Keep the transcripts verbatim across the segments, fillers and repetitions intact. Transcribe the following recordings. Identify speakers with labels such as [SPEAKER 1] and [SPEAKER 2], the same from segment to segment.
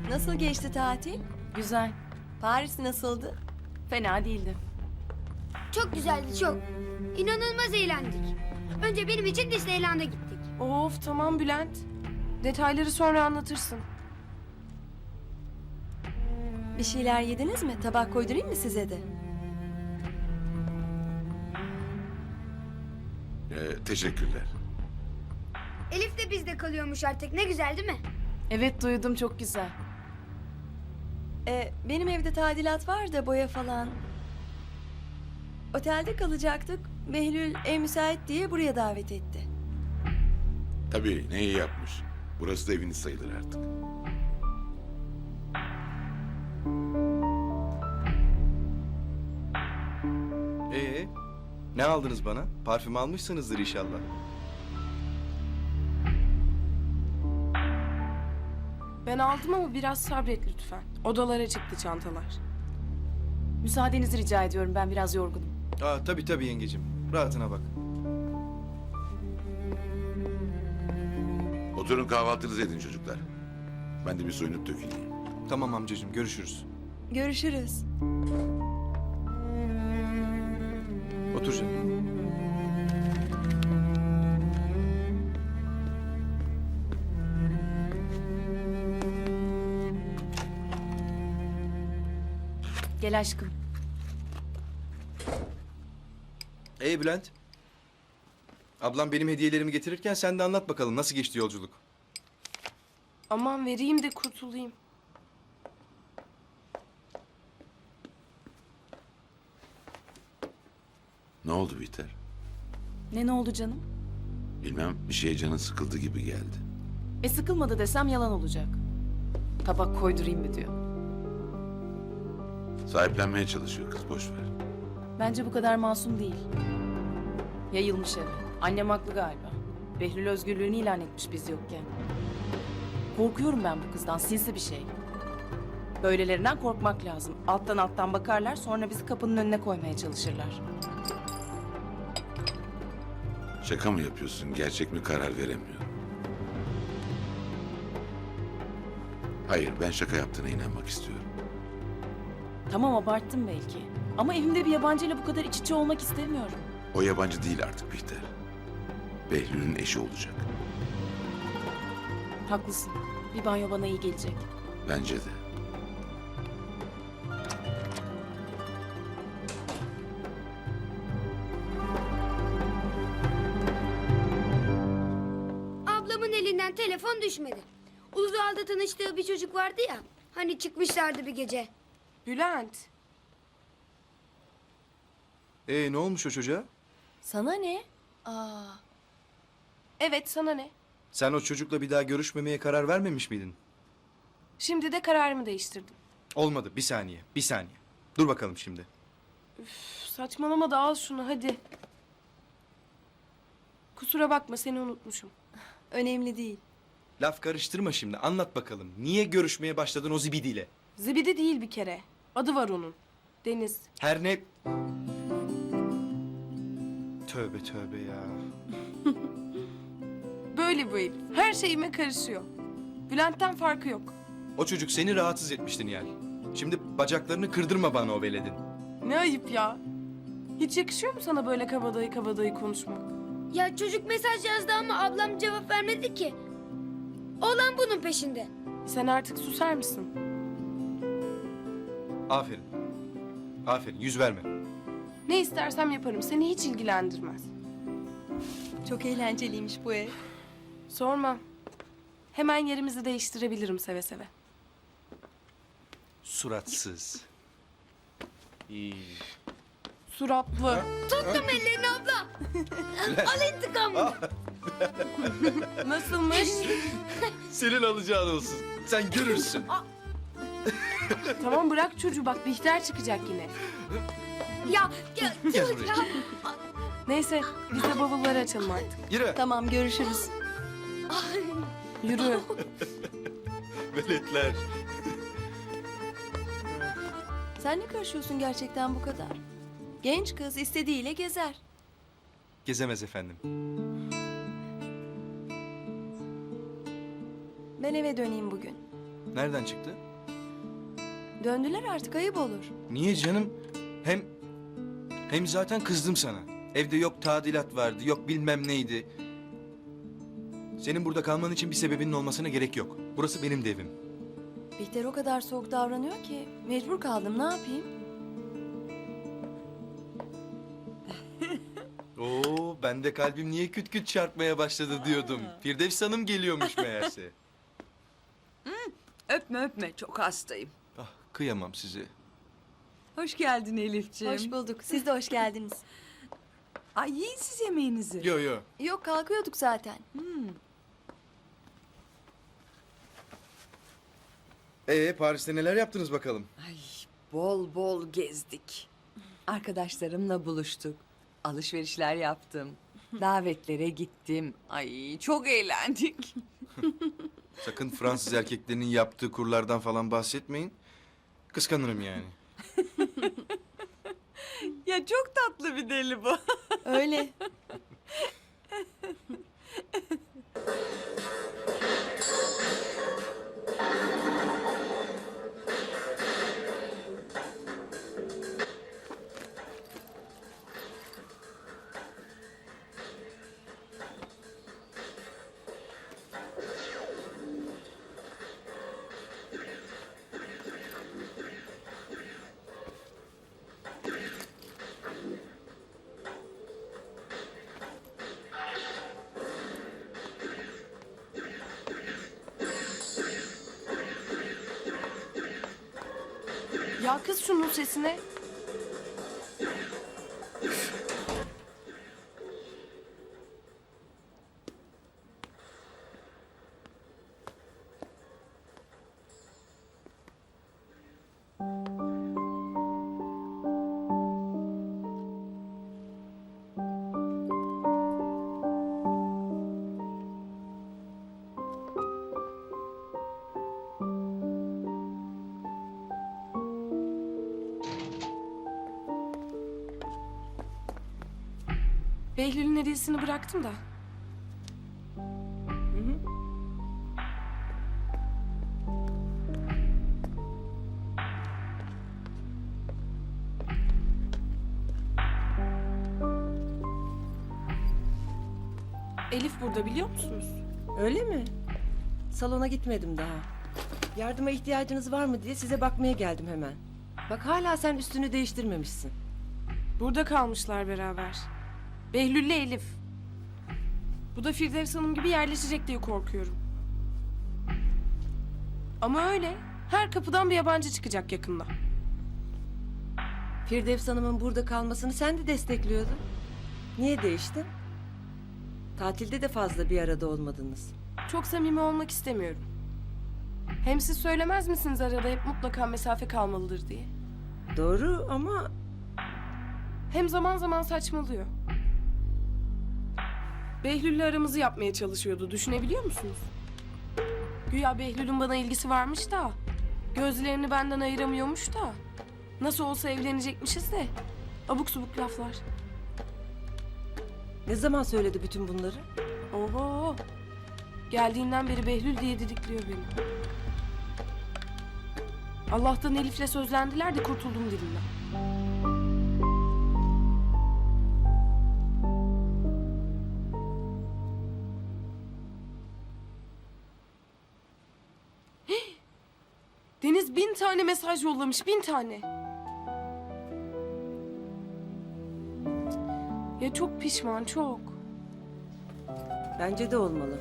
[SPEAKER 1] Nasıl geçti tatil?
[SPEAKER 2] Güzel.
[SPEAKER 1] Paris nasıldı?
[SPEAKER 2] Fena değildi.
[SPEAKER 3] Çok güzeldi çok. İnanılmaz eğlendik. Önce benim için Disneyland'a gittik.
[SPEAKER 4] Of tamam Bülent. Detayları sonra anlatırsın.
[SPEAKER 1] Bir şeyler yediniz mi? Tabak koydurayım mı size de?
[SPEAKER 5] Ee, teşekkürler.
[SPEAKER 3] Elif de bizde kalıyormuş artık. Ne güzel değil mi?
[SPEAKER 2] Evet duydum, çok güzel.
[SPEAKER 1] Ee, benim evde tadilat var da boya falan. Otelde kalacaktık. Behlül ev müsait diye buraya davet etti.
[SPEAKER 5] Tabii ne iyi yapmış. Burası da eviniz sayılır artık.
[SPEAKER 6] Ee, ne aldınız bana? Parfüm almışsınızdır inşallah.
[SPEAKER 4] Ben aldım ama biraz sabret lütfen. Odalara çıktı çantalar.
[SPEAKER 2] Müsaadenizi rica ediyorum, ben biraz yorgunum.
[SPEAKER 6] Aa, tabii tabii yengecim. Rahatına bak.
[SPEAKER 5] Oturun kahvaltınızı edin çocuklar. Ben de bir soyunup döküleyim.
[SPEAKER 6] Tamam amcacığım, görüşürüz.
[SPEAKER 1] Görüşürüz.
[SPEAKER 6] Otur canım.
[SPEAKER 2] Gel aşkım.
[SPEAKER 6] Ee Bülent? Ablam benim hediyelerimi getirirken sen de anlat bakalım nasıl geçti yolculuk?
[SPEAKER 4] Aman vereyim de kurtulayım.
[SPEAKER 5] Ne oldu Bihter?
[SPEAKER 2] Ne ne oldu canım?
[SPEAKER 5] Bilmem, bir şeye canın sıkıldı gibi geldi.
[SPEAKER 2] E sıkılmadı desem yalan olacak. Tabak koydurayım mı diyor.
[SPEAKER 5] Sahiplenmeye çalışıyor kız, boş ver.
[SPEAKER 2] Bence bu kadar masum değil. Yayılmış eve. Annem haklı galiba. Behlül özgürlüğünü ilan etmiş biz yokken. Korkuyorum ben bu kızdan, sinsi bir şey. Böylelerinden korkmak lazım. Alttan alttan bakarlar, sonra bizi kapının önüne koymaya çalışırlar.
[SPEAKER 5] Şaka mı yapıyorsun, gerçek mi karar veremiyorum. Hayır, ben şaka yaptığına inanmak istiyorum.
[SPEAKER 2] Tamam, abarttım belki. Ama evimde bir yabancıyla bu kadar iç içe olmak istemiyorum.
[SPEAKER 5] O yabancı değil artık Bihter. Behlül'ün eşi olacak.
[SPEAKER 2] Haklısın. Bir banyo bana iyi gelecek.
[SPEAKER 5] Bence de.
[SPEAKER 3] Ablamın elinden telefon düşmedi. Uludağ'da tanıştığı bir çocuk vardı ya. Hani çıkmışlardı bir gece.
[SPEAKER 4] Bülent.
[SPEAKER 6] Ee ne olmuş o çocuğa?
[SPEAKER 1] Sana ne? Aa,
[SPEAKER 4] Evet sana ne?
[SPEAKER 6] Sen o çocukla bir daha görüşmemeye karar vermemiş miydin?
[SPEAKER 4] Şimdi de kararımı değiştirdim.
[SPEAKER 6] Olmadı, bir saniye, bir saniye. Dur bakalım şimdi.
[SPEAKER 4] Üf, saçmalama da al şunu hadi. Kusura bakma seni unutmuşum.
[SPEAKER 1] önemli değil.
[SPEAKER 6] Laf karıştırma şimdi, anlat bakalım. Niye görüşmeye başladın o zibidiyle?
[SPEAKER 4] Zibidi değil bir kere. Adı var onun. Deniz.
[SPEAKER 6] Her ne... Tövbe tövbe ya.
[SPEAKER 4] Böyle bu herif. Her şeyime karışıyor. Bülent'ten farkı yok.
[SPEAKER 6] O çocuk seni rahatsız etmişti Nihal. Şimdi bacaklarını kırdırma bana o veledin.
[SPEAKER 4] Ne ayıp ya. Hiç yakışıyor mu sana böyle kabadayı kabadayı konuşmak?
[SPEAKER 3] Ya çocuk mesaj yazdı ama ablam cevap vermedi ki. Oğlan bunun peşinde.
[SPEAKER 4] Sen artık susar mısın?
[SPEAKER 6] Aferin. Aferin, yüz verme.
[SPEAKER 4] Ne istersem yaparım. Seni hiç ilgilendirmez.
[SPEAKER 1] Çok eğlenceliymiş bu ev.
[SPEAKER 4] Sorma. Hemen yerimizi değiştirebilirim seve seve.
[SPEAKER 6] Suratsız. İyi.
[SPEAKER 4] Suratlı.
[SPEAKER 3] Tuttum ellerini abla. Al intikamını.
[SPEAKER 4] Nasılmış?
[SPEAKER 6] Senin alacağın olsun. Sen görürsün.
[SPEAKER 4] Tamam bırak çocuğu bak Bihter çıkacak yine.
[SPEAKER 3] Ya, ya,
[SPEAKER 6] Gel
[SPEAKER 3] dur
[SPEAKER 6] buraya.
[SPEAKER 3] ya.
[SPEAKER 4] Neyse biz de bavulları açalım artık.
[SPEAKER 6] Yürü.
[SPEAKER 1] Tamam, görüşürüz.
[SPEAKER 4] Yürü.
[SPEAKER 6] Veletler.
[SPEAKER 1] Sen ne karışıyorsun gerçekten bu kadar? Genç kız istediğiyle gezer.
[SPEAKER 6] Gezemez efendim.
[SPEAKER 1] Ben eve döneyim bugün.
[SPEAKER 6] Nereden çıktı?
[SPEAKER 1] Döndüler artık, ayıp olur.
[SPEAKER 6] Niye canım? Hem hem zaten kızdım sana. Evde yok tadilat vardı, yok bilmem neydi. Senin burada kalman için bir sebebinin olmasına gerek yok. Burası benim de evim.
[SPEAKER 1] Bihter o kadar soğuk davranıyor ki mecbur kaldım, ne yapayım?
[SPEAKER 6] Oo, ben de kalbim niye küt küt çarpmaya başladı diyordum. Firdevs Hanım geliyormuş meğerse.
[SPEAKER 7] Öpme öpme, çok hastayım.
[SPEAKER 6] Ah, kıyamam size.
[SPEAKER 7] Hoş geldin Elifciğim.
[SPEAKER 1] Hoş bulduk, siz de hoş geldiniz.
[SPEAKER 7] Ay yiyin siz yemeğinizi.
[SPEAKER 6] Yo yo.
[SPEAKER 1] Yok, kalkıyorduk zaten.
[SPEAKER 6] Ee, Paris'te neler yaptınız bakalım?
[SPEAKER 7] Ay bol bol gezdik. Arkadaşlarımla buluştuk. Alışverişler yaptım. Davetlere gittim. Ay çok eğlendik.
[SPEAKER 6] Sakın Fransız erkeklerinin yaptığı kurlardan falan bahsetmeyin. Kıskanırım yani.
[SPEAKER 7] Ya çok tatlı bir deli bu.
[SPEAKER 1] Öyle.
[SPEAKER 4] Ya kız şunun sesine. Behlül'ün hediyesini bıraktım da. Elif burada, biliyor musunuz?
[SPEAKER 8] Öyle mi? Salona gitmedim daha. Yardıma ihtiyacınız var mı diye size bakmaya geldim hemen. Bak hala sen üstünü değiştirmemişsin.
[SPEAKER 4] Burada kalmışlar beraber. Behlül'le Elif. Bu da Firdevs Hanım gibi yerleşecek diye korkuyorum. Ama öyle. Her kapıdan bir yabancı çıkacak yakında.
[SPEAKER 8] Firdevs Hanım'ın burada kalmasını sen de destekliyordun. Niye değiştin? Tatilde de fazla bir arada olmadınız.
[SPEAKER 4] Çok samimi olmak istemiyorum. Hem siz söylemez misiniz arada hep mutlaka mesafe kalmalıdır diye?
[SPEAKER 8] Doğru ama
[SPEAKER 4] Hem zaman zaman saçmalıyor. Behlül'le aramızı yapmaya çalışıyordu. Düşünebiliyor musunuz? Güya Behlül'ün bana ilgisi varmış da... ...gözlerini benden ayıramıyormuş da... ...nasıl olsa evlenecekmişiz de... ...abuk subuk laflar.
[SPEAKER 8] ne zaman söyledi bütün bunları?
[SPEAKER 4] Oho! Geldiğinden beri Behlül diye didikliyor beni. Allah'tan Elif'le sözlendiler de kurtuldum dilinden. Deniz bin tane mesaj yollamış, bin tane. Ya çok pişman, çok.
[SPEAKER 8] Bence de olmalı.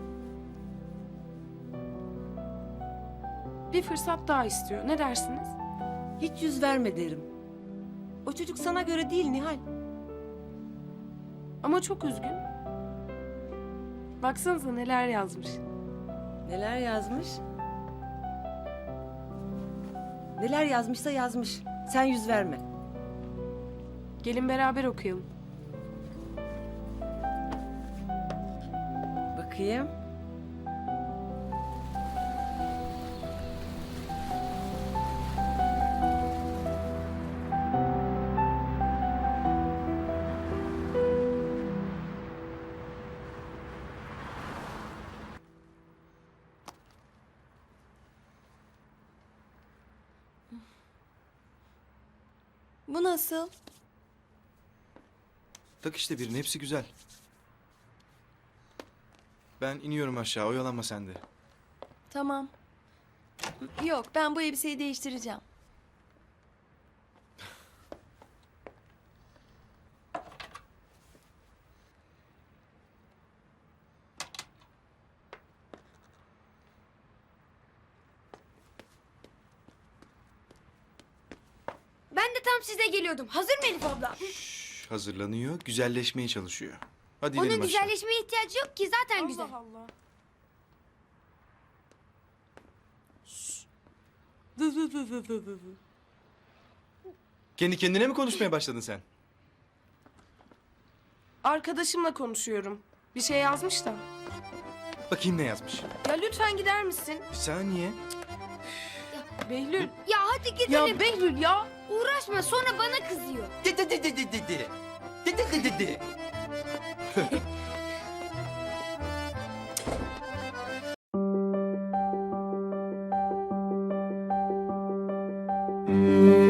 [SPEAKER 4] Bir fırsat daha istiyor. Ne dersiniz?
[SPEAKER 8] Hiç yüz verme derim. O çocuk sana göre değil Nihal.
[SPEAKER 4] Ama çok üzgün. Baksanıza neler yazmış.
[SPEAKER 8] Neler yazmış? Neler yazmışsa yazmış. Sen yüz verme.
[SPEAKER 4] Gelin beraber okuyalım.
[SPEAKER 8] Bakayım.
[SPEAKER 1] Bu nasıl?
[SPEAKER 6] Tak işte birini, hepsi güzel. Ben iniyorum aşağı, oyalanma sen de.
[SPEAKER 1] Tamam. Yok, ben bu elbiseyi değiştireceğim.
[SPEAKER 3] Ben de tam size geliyordum. Hazır mı Elif abla?
[SPEAKER 6] Şş, hazırlanıyor, güzelleşmeye çalışıyor. Hadi
[SPEAKER 3] Onun
[SPEAKER 6] inelim aşağı.
[SPEAKER 3] güzelleşmeye ihtiyacı yok ki zaten güzel.
[SPEAKER 4] Allah Allah. Dı dı dı dı dı dı.
[SPEAKER 6] Kendi kendine mi konuşmaya başladın sen?
[SPEAKER 4] Arkadaşımla konuşuyorum. Bir şey yazmış da.
[SPEAKER 6] Bakayım ne yazmış.
[SPEAKER 4] Ya lütfen gider misin?
[SPEAKER 6] Bir saniye.
[SPEAKER 4] Behlül.
[SPEAKER 3] Ya hadi gidelim.
[SPEAKER 4] Ya Behlül ya.
[SPEAKER 3] Uğraşma sonra bana kızıyor.
[SPEAKER 9] De de de de de de de. De de de de de.
[SPEAKER 6] Hmm.